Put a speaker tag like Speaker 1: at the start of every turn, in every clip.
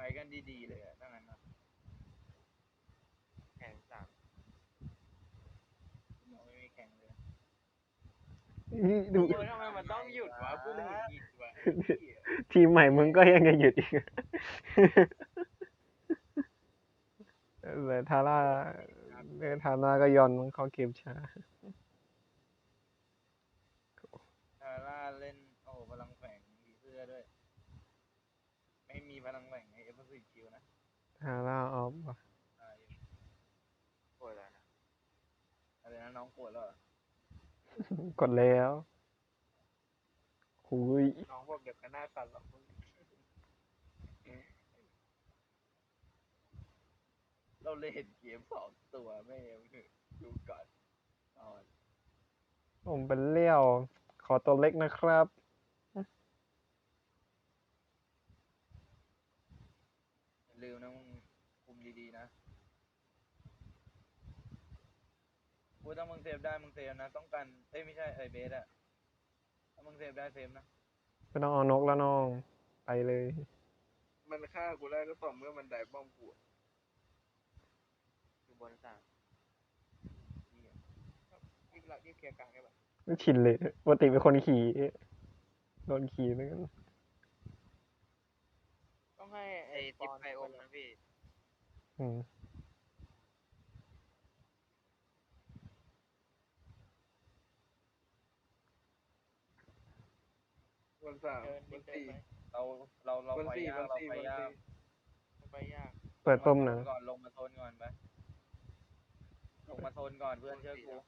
Speaker 1: กันดีๆเลยอะถ้างั้นนะ
Speaker 2: แข่งสาม
Speaker 1: เราไม่มีแข่งเลย
Speaker 3: ดู
Speaker 2: โอ้ยทำไมมันต้องหยุดวะกูหงุดหงิดวะไอ้เหี้ย
Speaker 3: ทีมใหม่มึงก็ยังจะหยุดอีกเลยทาร่าทาร่าก็ยอนมึงเข้าเกมช้า
Speaker 1: ทาร่าเล่นโอ้โหพลังแฝงผีเสื้อด้วย ไม่มีพลังแฝงในเอฟซีคิวนะ
Speaker 3: ทาร่าออฟว่ะ
Speaker 1: ตายอยู่
Speaker 2: โอ้ยแล้วนะ
Speaker 1: อะไรนะน้องปวดแล้วเหรอก
Speaker 3: ดแล้วหุย
Speaker 2: น้องบอกเดี๋ยวก็หน้าสั่นหรอกมึง
Speaker 1: เราเล่นเกมสองตัวไม่เอาเถอะดูก่อนนอน
Speaker 3: ผมเป็นเลี้ยว ขอตัวเล็กนะครับ
Speaker 1: อย่าลืมนะมึงคุมดีๆนะพูดถ้ามึงเซฟได้มึงเซฟนะต้องการเอ้ยไม่ใช่ไอเบสอะถ้ามึงเซฟได้เซฟนะ
Speaker 3: ไม่ต้องเอานกแล้วน้อง ไปเลย
Speaker 2: มันฆ่ากูได้ก็ต่อเมื่อมันได้ป้อมกูอยู่บนสามรีบเคลียร์กลางได้ปะ
Speaker 3: ไม่ชินเลยปกติเป็นคนขี่ โดนขี่เหมือนกัน
Speaker 2: ต้องให้ไอ้ทิปไออมนะพี่
Speaker 3: อืม
Speaker 2: บนสามบนสี่
Speaker 1: เรา
Speaker 2: บน
Speaker 1: ไป
Speaker 2: สี่
Speaker 1: ยา
Speaker 2: บ
Speaker 1: ก
Speaker 2: น
Speaker 1: เรา
Speaker 2: สี่
Speaker 1: ไป
Speaker 2: บน
Speaker 1: ยาก
Speaker 2: สี่ไปยาก
Speaker 3: เปิดป้มห
Speaker 1: ล
Speaker 3: นะ
Speaker 1: งมาโซนก่อนลงมาโซนก่อนไปลงมาโซนก่อนเพื่อนเชื่อกู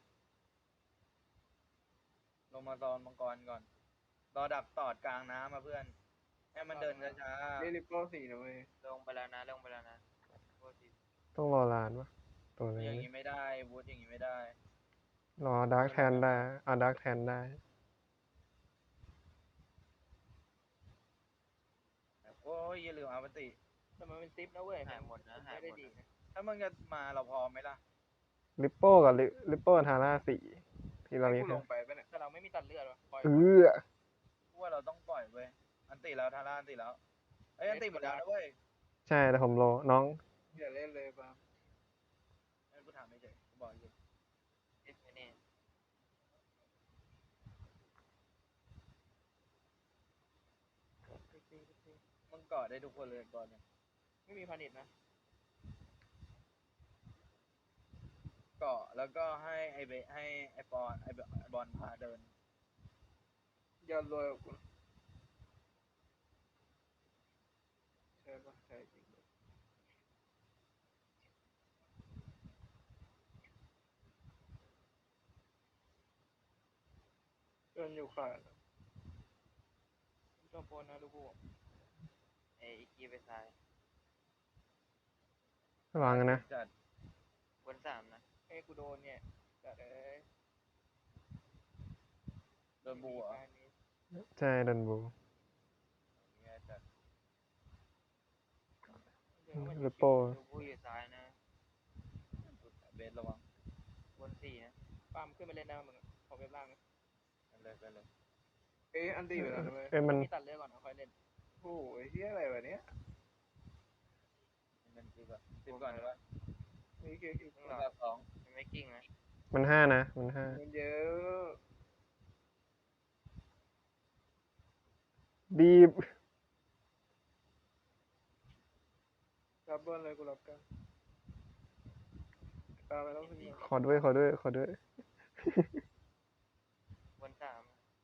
Speaker 1: ลงมาโซนมังกรก่อนรอดักตอดกลางน้ำมาเพื่อนให้มันเดินช้า
Speaker 2: นี่ริปโป้สี่นะเว้ยลงไปแล้วนะลงไปแล้วนะโป้สี่
Speaker 3: ต้องรอลานวะตัว
Speaker 1: ๆอย่าง
Speaker 3: นี้
Speaker 1: นี้ไม่ได้วูดอย่างนี้ไม่ได้
Speaker 3: รอดาร์กแทนได้เอาดาร์กแทนได้
Speaker 1: โอ้ยอย่าลืมอาปติ
Speaker 2: แต่มันเป็นซิปนะเว้ยหายหมดนะหายไม่ได้ดีนะ
Speaker 1: ถ้ามึงจะมาเราพร้อมไหมล่ะ
Speaker 3: ลิปโป้กับลิปโป้ทาร่าสี่ที่เรา
Speaker 2: ให้
Speaker 3: มี
Speaker 2: กูลงไปปะเนี่ยแต่เราไม่มีตัดเลือดวะปล่อย
Speaker 3: เอ
Speaker 2: ก่อน
Speaker 3: อ
Speaker 1: กูว่าเราต้องปล่อยเว้ยอันติแล้วทาร่าอันติแล้วเอ้ยอันติหมดแล้วนะเว้ย
Speaker 3: ใช่แต่ผมรอน้อง
Speaker 2: อย่าเล่นเลยปะ
Speaker 1: งั้นกูถามไม่เฉยกูบอกอยู่
Speaker 2: เอ็ดนี่
Speaker 1: มึงกอดได้ทุกคนเลยก่อนเนี่ย
Speaker 2: ไม่มีพานิชนะ
Speaker 1: เกาะแล้วก็ให้ไอเบให้ไอปอนไอบอลพาเดิน
Speaker 2: อย่ารวยกว่ากูใช่ปะใช่จริงด้วยเดินอยู่ขาดชอบโพนนะลูกกูไอ้อีกีไปซ้าย
Speaker 3: ระวังกันนะ
Speaker 1: จัด
Speaker 2: บนสามนะไอ้กูโดนเนี่ยจัดเลย
Speaker 1: โดนบัว
Speaker 3: ใช่ดันบู
Speaker 1: เนี่ยจัด
Speaker 3: ลิปโป้
Speaker 2: ลูกกูอยู่ซ้ายนะ
Speaker 1: เบสระวัง
Speaker 2: บนสี่นะปามขึ้นไปเล่นได้มึงขอเว็บล่างนะ
Speaker 1: ไปเลย
Speaker 2: เอ้ยอันตีไปแล้วนะเว้ย
Speaker 3: เอ้ยมัน
Speaker 2: มีตัดเลือดก่อนค่อยเล่นโอ้ยเฮียอะไรวะเนี้ย
Speaker 1: มันคือแบบสิบก่อนใช่ปะ
Speaker 2: นี่คือ
Speaker 1: มึงรอสอง
Speaker 2: ไม่กิ้งนะ
Speaker 3: มันห้านะ มันห้า
Speaker 2: มันเยอะ
Speaker 3: ดีบ
Speaker 2: รับเบิ้ลเลยกูรับกันตามไปแล้วขึ้นมา
Speaker 3: ขอด้วยขอด้วยขอด้วย
Speaker 2: บนสาม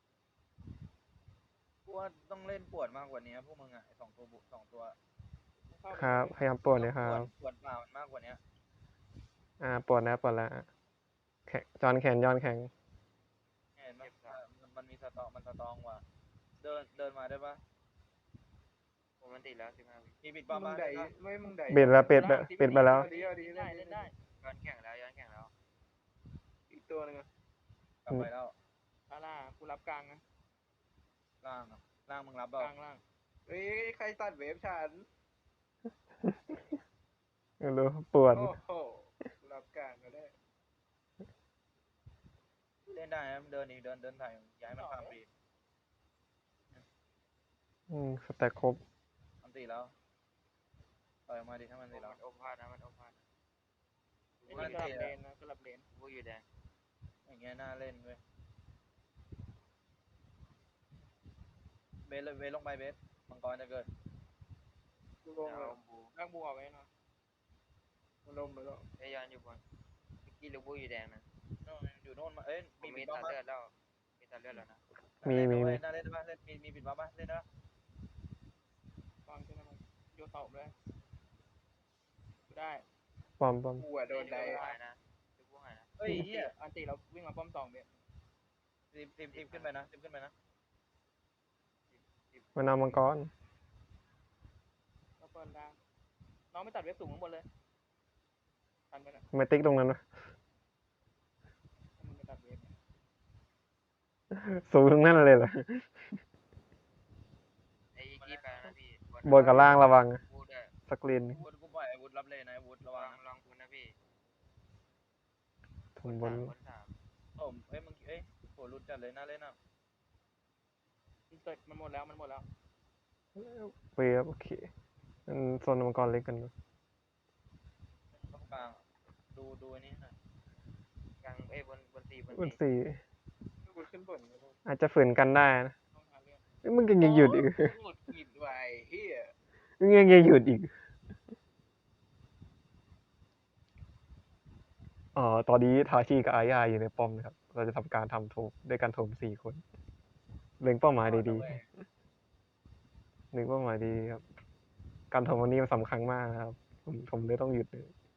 Speaker 1: กูว่าต้องเล่นปวดมากกว่านี้พวกมึงอ่ะไอสองตัว
Speaker 3: ครับพยายามปวดเลยครับ
Speaker 1: ปวดเปล่ามันมากกว่านี้
Speaker 3: ปวดแล้วปวดแล้วแขนจอนแขนย้อนแข็ง
Speaker 1: เห็นไหมมันมีสตองมันสตองว่ะเดินมาได้ปะ
Speaker 2: ผมมันติดแล้ว15 วิ
Speaker 1: มีปิดป้อม
Speaker 2: มึ
Speaker 1: บ้าง ง
Speaker 2: ไดไม่มึงได
Speaker 3: เบ็ดแล้วเป็ดเป็ดไปแล้ว
Speaker 2: เอาดีเล่นได้ย้อนแข่งแล้วอีกตัวนึง
Speaker 1: กลับไปแล้ว
Speaker 2: อาล่ากูรับกลางนะ
Speaker 1: ล่างอ่ะล่างมึงรับ
Speaker 2: ก
Speaker 1: เปล่า
Speaker 2: ลางล่างเฮ้ยใครตัดเวฟฉัน
Speaker 3: ไม่รู้ปวด
Speaker 2: โอ้โหรับกลางก็ได้
Speaker 1: เล่นได้นะเดินอีกเดินถ่ายย้ายมันข้ามปี
Speaker 3: สแต็กครบ
Speaker 1: อันตีแล้วล่อยออกมาดิถ้ามัน
Speaker 2: มั
Speaker 1: ตีเรา
Speaker 2: นโอภาสนะมันโอภาส
Speaker 4: ไอ้นี่กลับเลนนะกลับเลน
Speaker 2: ลูกอยู่แดง
Speaker 1: อย่างเงี้ยน่าเล่นเว้ยเบสเลยเบสลงไปเบสมังกรจะเกิด
Speaker 4: กูลงเลย
Speaker 2: เอาบู
Speaker 4: ร่างบัวไว้นะมันลงไปแล้ว
Speaker 2: ไอ้ยอนอยู่บนเมื่อกี้ลูกบูอยู่แดงนะ
Speaker 1: โน่นอยู่โน่นมาเอ้ย
Speaker 2: ผม
Speaker 1: มี
Speaker 2: มี
Speaker 1: ปิด
Speaker 2: ตั
Speaker 1: บ้า
Speaker 2: ด
Speaker 1: ปะ
Speaker 2: เลือดแล้วมีตัดเลือดแล้วนะ
Speaker 3: มี
Speaker 1: น่าเล่นปะเล่นมีปิดบ้าปะเล่นได้ปะ
Speaker 4: ฟังใช่ไหมมันโยนเสาเลยกูได้
Speaker 3: ปอม
Speaker 4: กูอะโดนได้
Speaker 2: ลูกบูหายนะลูกบูหายนะ
Speaker 1: เฮ้ยเฮีย
Speaker 4: อันตีเราวิ่งมาป้อมสองเบส
Speaker 1: ทีมขึ้นไปนะทีมขึ้นไปนะ
Speaker 3: มันเอามังกร
Speaker 4: เราเปิดได้น้องไม่ตัดเว็บสูงข้างบนเลยทันไปนะ
Speaker 3: ทำไมติ๊กตรงนั้นวะ
Speaker 4: ถ้ามึงไม่ตัดเว็บเนี่ย
Speaker 3: สูงตรงนั้นเลยเหรอ
Speaker 2: ไอ้อีกกี้ไปแล้วนะพี่
Speaker 3: บนกับล่างระวัง
Speaker 2: บูด้วย
Speaker 3: สกรีน
Speaker 1: วุฒิกูปล่อยไอ้วุฒิรับเลยนะไอ้วุฒิระ
Speaker 2: ล
Speaker 1: วั
Speaker 2: อง ง
Speaker 1: นะ
Speaker 2: ลองคุณนะพี่
Speaker 3: ถุงบน
Speaker 2: บนสาม
Speaker 1: ผมเอ้ยมึงเอ้ยโหหลุดจัดเลยน่าเล่นอ่ะ
Speaker 4: มันเสร็จมันหมดแล้วมันหมดแล้ว
Speaker 3: เวฟโอเคมันโซนมังกรเล็กกันดู
Speaker 1: ตรงกลางดูอันนี้หน่อย
Speaker 2: กลางบนสี่
Speaker 3: บนสี่
Speaker 4: กูขึ้นบนไม่ได้
Speaker 3: อาจจะฝืนกันได้นะ
Speaker 4: ต้องหาเรื่อง
Speaker 3: เอ้ยมึงยังหยุดอีก
Speaker 4: หมดหยิบไว้เฮีย
Speaker 3: มึงยังหยุดอีก ตอนนี้ทาชิกับอาญาอยู่ในป้อมนะครับ เราจะทำการทำโถมด้วยการโถม4 คน เล็งเป้าหมายดีๆเล็งเป้าหมายดีครับ การโถมวันนี้มันสำคัญมากนะครับ ผมเลยต้องหยุดเลย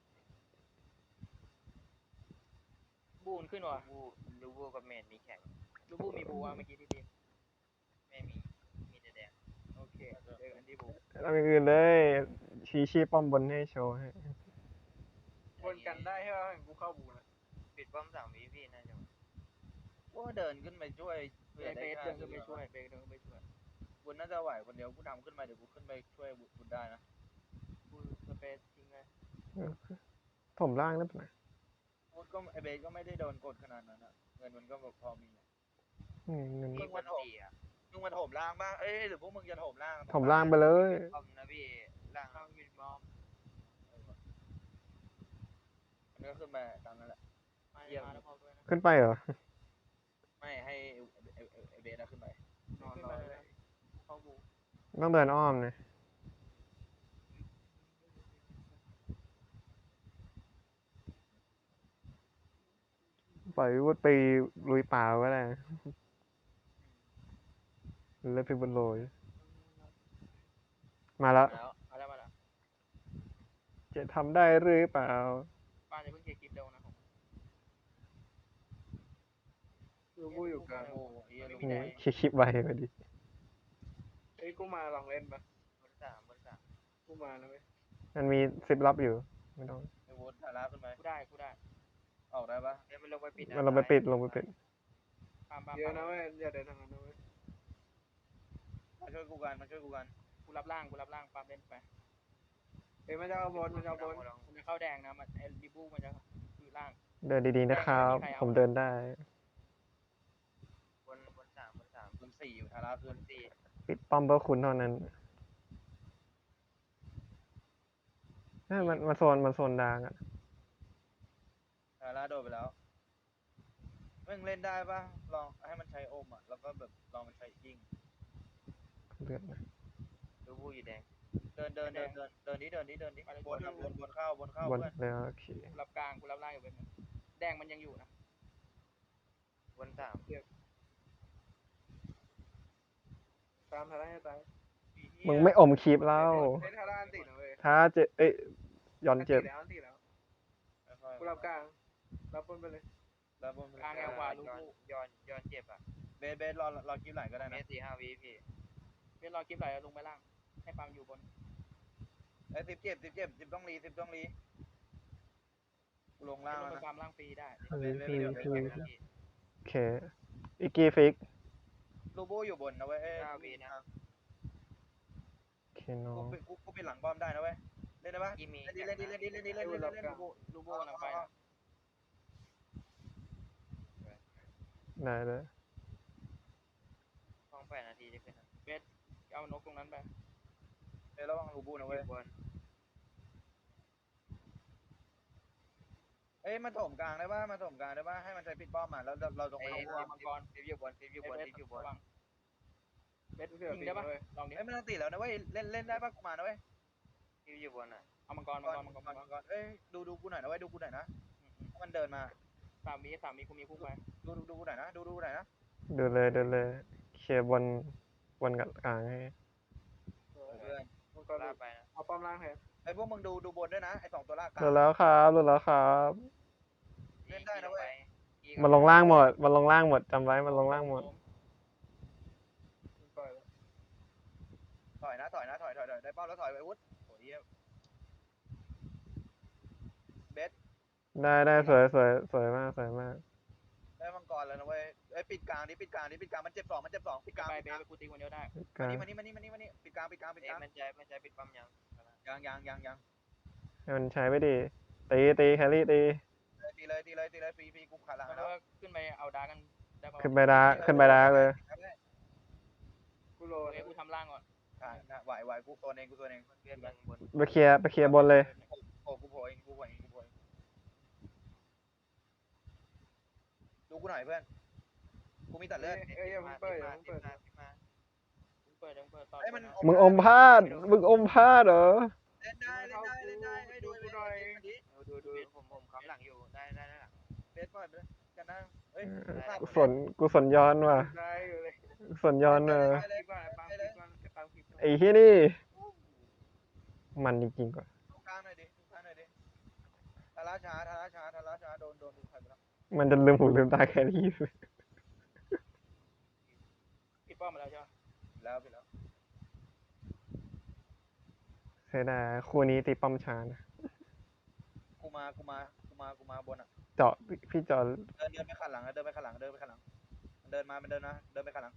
Speaker 4: บูนขึ้นว่ะ
Speaker 2: ลูกบูกับเมดมีแข่ง
Speaker 4: ลูกบูมีบูว่ะเมื่อกี้ที่ทีม
Speaker 2: ไม่มี มีแต่แดง
Speaker 4: โอเคเจอกันที่บู
Speaker 3: ทำอย่างอื่นเลยชี้ป้อมบนให้โชว์ให้
Speaker 4: วนกันได้ใช่ไหมกูเข้าบูนะ
Speaker 2: ปิดป้อม3 วิพี่น่าจะ
Speaker 1: ว่าเดินขึ้นไปช่วย
Speaker 4: เบสเดินขึ้นไปช่วยเบสเดินขึ้นไปช่วย
Speaker 1: วุฒิน่าจะไหวคนเดียวกูทำขึ้นมาเดี๋ยวกูขึ้นไปช่วยวุฒิได้นะ
Speaker 4: กูสเปซทิ้งเลย
Speaker 3: ถมล่างได้ปะ
Speaker 1: วุฒิก็ไอเบสก็ไม่ได้โดนกดขนาดนั้นอะเงินมันก็แบบพอมี
Speaker 3: เงิน
Speaker 2: มีบนสี่อ่ะ
Speaker 1: มึงมาโถมล่างป่ะเอ้ยหรือพวกมึงจะโถมล่าง
Speaker 3: ถมล่างไปเลย
Speaker 2: ป้อมนะพี่ล่าง
Speaker 4: ข้างวินบอม
Speaker 1: มันก็ขึ้นมาตามนั้นแหละ
Speaker 4: มาแล้วพอด้วยนะ
Speaker 3: ขึ้นไปเหรอ
Speaker 1: ไม่ให้ไอเบสขึ้นไป
Speaker 4: ขึ้นไปเลยเข้าบู
Speaker 3: ต้องเดินอ้อมนะปล่อยวุฒไปลุยป่าก็ได้เล่นไปบนโรยมาแล้ว
Speaker 1: แล้ว
Speaker 4: มาแล้ว
Speaker 3: จะทำได้หรือเปล่า
Speaker 4: ป้าจะเพิ่งเคลียร์คลิปเร็วนะผม
Speaker 1: ลูกกูอยู่กลางโอ้ยลูก
Speaker 3: โอ้ยคลิปไว้พอดี
Speaker 4: เอ้ยกูมาลองเล่นปะ
Speaker 2: บนสาม
Speaker 4: กูมาแล้วเว้ย
Speaker 3: มันมี10 ลับอยู่ ไม่ต้อง
Speaker 1: ไอวุฒิฐานะขึ้นไป
Speaker 4: กูได้
Speaker 1: ออกได้ปะ
Speaker 2: เดี๋ยวมันลงไปปิด
Speaker 3: มันลงไปปิด
Speaker 4: ปามเยอะนะเว้ยอย่าเดินทางนั้นนะเว้ย
Speaker 1: มาช่วยกูกัน
Speaker 4: กูรับล่างปามเล่นไปเอ้ยมันจะเอาบนมันจะเข้าแดงนะมันไอ้ดิบูมันจะอยู่ล่าง
Speaker 3: เดินดีๆนะครับ ผมเดินได้
Speaker 2: บนสาม
Speaker 1: บน4อยู่ฐานะ
Speaker 2: บ
Speaker 1: ขึ้น
Speaker 2: นสี่
Speaker 3: ปิดป้อมเพื่อคุณเท่านั้นมันโซนดังอ่ะ
Speaker 1: ฐานะโดดไปแล้วมึงเล่นได้ปะลองให้มันใช้โอมอ่ะแล้วก็แบบลองมันใช้ยิง
Speaker 3: เลือดนะ
Speaker 2: ลูกบูอยู่แดง
Speaker 1: เดินดิบนเข้า
Speaker 3: บน
Speaker 1: เพื่อน
Speaker 3: แล้วโอเค
Speaker 4: กูรับกลางกูรับล่างอยู่เป็นแดงมันยังอยู่นะ
Speaker 2: บนสาม
Speaker 4: ตามทาร่าให้ตาย
Speaker 3: มึงไม่อมคลิปแล้ว
Speaker 4: เฮ้ยทาร่าอันตินะเว้ย
Speaker 3: ถ้าเจ็บย้อนเจ็บ
Speaker 4: อันติแล้วกูรับกลางรับบนไปเลย
Speaker 1: แล้วบน
Speaker 4: กลางแนวขวาลูก
Speaker 2: ย้อนเจ็บอ่ะ
Speaker 1: เบสรอคิวไหลก็ได้
Speaker 2: เม
Speaker 1: นะ
Speaker 2: ตร4 5 วิพี่
Speaker 4: เป็นรอคลิปไหลลงไปล่างให้ปามอยู่บน
Speaker 1: ไอ้10 เจ็บ10ต้องรีกูลงล่าง
Speaker 4: ลง
Speaker 1: แล้ว
Speaker 4: ไป
Speaker 1: นะ
Speaker 4: ปามล่างฟรีได้
Speaker 3: โอเค อีกกี้ฟิก
Speaker 1: ลูโบอยู่บนนะเว้ย
Speaker 3: โอเคเนาะ
Speaker 1: กูเป็นหลังบอมได้นะเว้ยเล่นได้ปะ
Speaker 2: กี่มี
Speaker 1: เล่น
Speaker 4: ลูโบนะไปนะ
Speaker 3: ได้เลย
Speaker 2: ต้อง8 นาทีจะขึ้นนะ
Speaker 4: เอานกตรงนั้นไป
Speaker 1: เล่นระวังลูโบนะ
Speaker 2: อ
Speaker 1: เว้ย
Speaker 2: ยู่บน
Speaker 1: เอ้ยมาถมกลางได้ป่ะมาถมกลางได้ป่ะให้มันใช้ปิดป้อมมาแล้วเราตรง
Speaker 2: ไอ้
Speaker 1: ไป
Speaker 2: ฟิ
Speaker 1: ตรง
Speaker 2: ปอยู่บนฟิปอยู่บนฟิปอยู่บน
Speaker 4: ระวัง
Speaker 5: เบ็ดเสือ
Speaker 4: ยิง
Speaker 5: ปี
Speaker 4: ได้ปะ
Speaker 5: เลย
Speaker 4: ลองดิ
Speaker 1: เอ้ยไม่ต้องตีแล้วนะเว้ยเล่นได้ป่ะกูมานะเว้ย
Speaker 2: ฟิปอยู่บนอ่ะ
Speaker 4: เอามังกร
Speaker 1: ก่อนเอ้ยดูกูหน่อยนะเว้ยดูกูหน่อยนะมันเดินมา
Speaker 4: 3 วิกูมีพุ่งไป
Speaker 1: ดูกูหน่อยนะดูหน่อยนะ
Speaker 3: เดินเลยเคลียร์บนกับกลางให้
Speaker 1: เพื่อน
Speaker 5: มังกร
Speaker 2: ลากไปนะ
Speaker 5: เอาป้อมล่างแทน
Speaker 1: ไอ้พวกมึงดูบนด้วยนะไอ้2ตัวลากกลาง
Speaker 3: เดินแล้วครับเดินแล้วครับ
Speaker 1: เล่นได้นะเว้ย
Speaker 3: มันลงล่างหมดมันลงล่างหมดจำไว้มันลงล่างหมด
Speaker 5: มันปล่อยแล้ว
Speaker 1: ถอยนะได้เป้าแล้วถอยไปวุฒิโอ้ยเบส
Speaker 3: ได้สวยมาก
Speaker 1: ได้มังกรแล้วนะเว้ยไอ้ปิดกลางปิดกลางมันเจ็บ2ปิดกลาง
Speaker 4: ไปเบสไปกูตีคนเดียวได้
Speaker 3: กลาง
Speaker 1: มานี่ปิดกลาง
Speaker 2: เอ้ยมันใจปิดปั๊มยัง
Speaker 1: ยัง
Speaker 3: ให้มันใช้ไม่ดีตีแครี่ตี
Speaker 1: ตีเลยฟรีกูขาหลัง
Speaker 4: แล้ว
Speaker 1: แล้ว
Speaker 4: ก็ขึ้นไปเอาดากันได้ป่ะ
Speaker 3: ขึ้นไปดาเลย
Speaker 5: กูโล
Speaker 4: เบสกูทำล่างก่อน
Speaker 1: ไหวกูโซนเอง
Speaker 2: เพื่อนยังบน
Speaker 3: ไปเคลียร์บนเลย
Speaker 1: โอ้กูโผล่เองดูกูหน่อยเพื่อนกูมีตัดเลือด
Speaker 5: เอ้ยอย่าเพิ่งเปิดอย่าเพิ่งเปิด
Speaker 4: เปิดต่อ
Speaker 1: ไอ้มัน
Speaker 3: มึงอมพลาดเหรอ
Speaker 1: เล่นได้ให้ดูดิ
Speaker 2: ดูผมค้ำหลังอยู่ได้หลัง
Speaker 1: เบสปล่อยไปกันนะเฮ้ย
Speaker 3: กุศลย้อนว่ะ
Speaker 5: ได้อยู่เลย
Speaker 3: กุศลย้อน
Speaker 1: เลย
Speaker 5: คลิปก่อนปังคลิปก่อนปังคลิปก่อน
Speaker 3: ไอ้ที่นี่ มันจริงๆกว่า
Speaker 1: กลางหน่อยดิทาราชาโดนดูใครไปแล้ว
Speaker 3: มันจะลืมหูลืมตาแครี่เลย
Speaker 4: ปิดป้อมมาแล้วใช่ปะ
Speaker 1: ไปแล้ว
Speaker 3: เสียดายคู่นี้ตีป้อมช้านะ
Speaker 1: กูมาบนอ่ะ
Speaker 3: เจาะพี่เจาะ
Speaker 1: เดินไปขันหลังเดินไปขันหลังมันเดินไปขันหลัง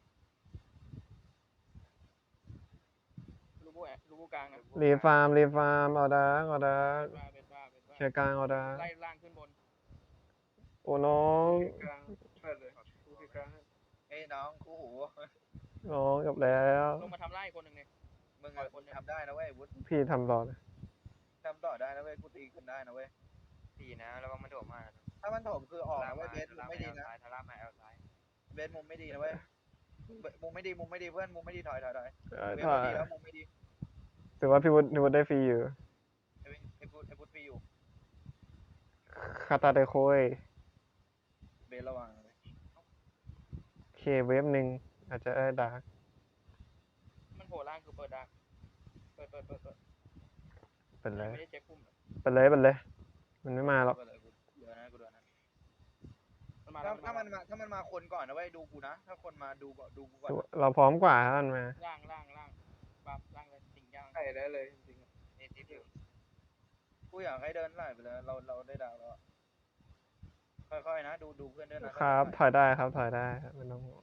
Speaker 4: ลูบูกลางนะ
Speaker 3: รีฟาร์มเอาดาร์ก
Speaker 4: เบสบ้า
Speaker 3: เคลียร์กลางเอาดาร์ก
Speaker 4: ไล่ล่างขึ้นบน
Speaker 3: โอ้น้อง
Speaker 5: กลางเปิดเลยกูคลิปกลางให้
Speaker 1: เอ้ยน้องคู่หู
Speaker 3: น้องจบแล้ว
Speaker 4: ลงมาทำไล่คนหนึ่งเนี่ย
Speaker 1: มึงทำได้นะเว้ยวุฒิ
Speaker 3: พี่ทำต่อเลย
Speaker 1: ทำต่อได้นะเว้ยกูตีขึ้นได้นะเว้ย
Speaker 2: สี่นะแล้วก็มันโดดมา
Speaker 1: ถ้ามันถมคือออกนะเว้ยเบสมุมไม่ดีนะ
Speaker 2: ทาร่ามาแอลซ้าย
Speaker 1: เบสมุมไม่ดีนะเว้ยมุมไม่ดีเพื่อนมุมไม่ดีถอยเบส
Speaker 3: ถอย
Speaker 1: ไม่ดีแล้วมุมไม่ดี
Speaker 3: ถือว่าพี่วุฒิได้ฟรีอยู่
Speaker 1: ไอ้พุทธฟรีอยู่
Speaker 3: คาตาเดโคย
Speaker 1: เบสระวังเลย
Speaker 3: เคเวฟหนึ่งอาจจะได้ดาร์ก
Speaker 4: มันโผล่ล่างคือเปิดดาเปิด
Speaker 3: เป็นเลย
Speaker 4: ไม่ได้เช็คพุ่ม
Speaker 3: มันไม่มาหรอก
Speaker 1: กูเดือนะ
Speaker 4: มันมา
Speaker 1: ถ้ามันมาคนก่อนนะเว้ยดูกูนะถ้าคนมาดูก่อน
Speaker 3: เราพร้อมกว่าท่านมา
Speaker 4: ล่างปั๊บล่างเลยสิ่งย่าง
Speaker 5: ใส่ได้เลยจริง
Speaker 2: เอทิปอยู่
Speaker 1: กูอยากให้เดินไล่ไปเลยเราได้ดาวแล้วค่อยๆนะดูเพื่อนเดินนะ
Speaker 3: ครับถอยได้ครับไม่ต้องห่วง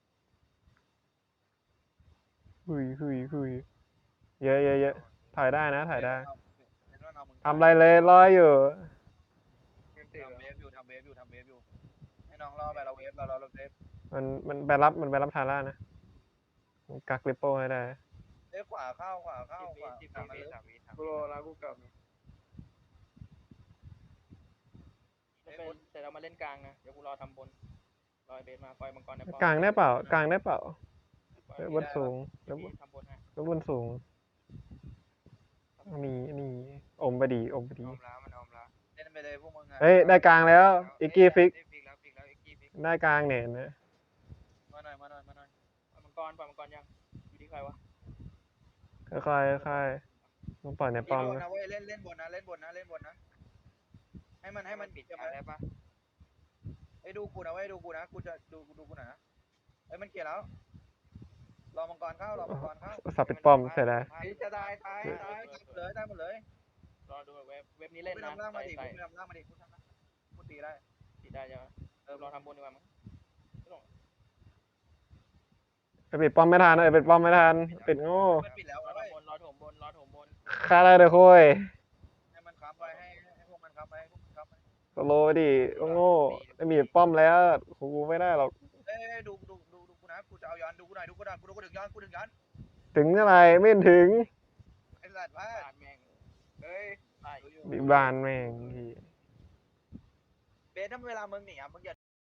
Speaker 3: หุยเยอะถอยได้นะถอยได้ทำอะไรเลยรออยู่
Speaker 5: ๆเงินติด
Speaker 1: ทำ
Speaker 5: แล้ว
Speaker 1: เวฟอยู่ให้น้องรอไปเราเวฟเราเวฟ
Speaker 3: มันไปรับทาร่านะมันกักลิปโป้ให้ได้
Speaker 1: เอ้ยขวาเข้า
Speaker 2: 3 วิ
Speaker 5: กูโลแล้วกูกลับ
Speaker 4: เสร็จเรามาเล่นกลางนะเดี๋ยวกูรอทำบนรอยเบสมาปล่อยมังกรในป้อม
Speaker 3: กลางได้เปล่าบนสูง
Speaker 4: ทำบนให้
Speaker 3: แล้วบนสูงนี่อมไปดี
Speaker 2: อมแล้วมันอมแล้ว
Speaker 1: เล่นไปเลยพวกมึง
Speaker 3: เฮ้ยได้กลางแล้วอิกกี้ฟิก
Speaker 2: ฟิกแล้วอิกกี้ฟิก
Speaker 3: ได้กลางเนี่ยนะ
Speaker 1: มาหน่อย
Speaker 4: ปล่อยมังกรยังอยู่ที่ใครวะ
Speaker 3: ค่อยต้องปล่อยในป้อม
Speaker 1: นะ
Speaker 3: นะ
Speaker 1: เว้ยเล่นบนนะให้มัน
Speaker 2: ปิด
Speaker 1: จะ
Speaker 2: กลางได้ปะ
Speaker 1: ไอ้ดูกูนะกูจะดูกูหน่อยนะไอ้มันเกลียดแล้วรอมังกรเข้า
Speaker 3: สับปิดป้อมเสร็จแล้ว
Speaker 5: นี่จะได้ตาย
Speaker 1: ได้หมดเลย
Speaker 4: รอดูเว็บนี้เล่น
Speaker 1: กู
Speaker 4: นะ
Speaker 1: ทำล่างมาดิ
Speaker 4: ใส่
Speaker 1: กูตีได้
Speaker 4: ติดได้ใช่ไหมรอทำบนดีกว่ามั้ง
Speaker 3: ไปปิดป้อมไม่ทันปิดป้อมไม่ทันปิดโง่
Speaker 1: มันปิดแล้ว
Speaker 4: รอ
Speaker 1: เว้ย
Speaker 4: ถมบน
Speaker 3: คาราเดโคย
Speaker 1: ให้มันค้ำไปให้พวกมันค้ำไป
Speaker 3: สโลว์ดิโง่ไม่มีป้อมแล้วกูไม่ได้หรอก
Speaker 1: เอ้ยดูกูนะกูจะเอาย้อนดูกูหน่อยกูถึงย้อน
Speaker 3: ถึงอะไรไม่ถึง
Speaker 1: ไอ้สัตว์ว่า
Speaker 4: ปาดแม่ง
Speaker 5: เฮ้ย
Speaker 4: ตาย
Speaker 3: บิบานแม่งพี่
Speaker 4: ถ้าเวลามึงหนีอ่ะมึงอย่า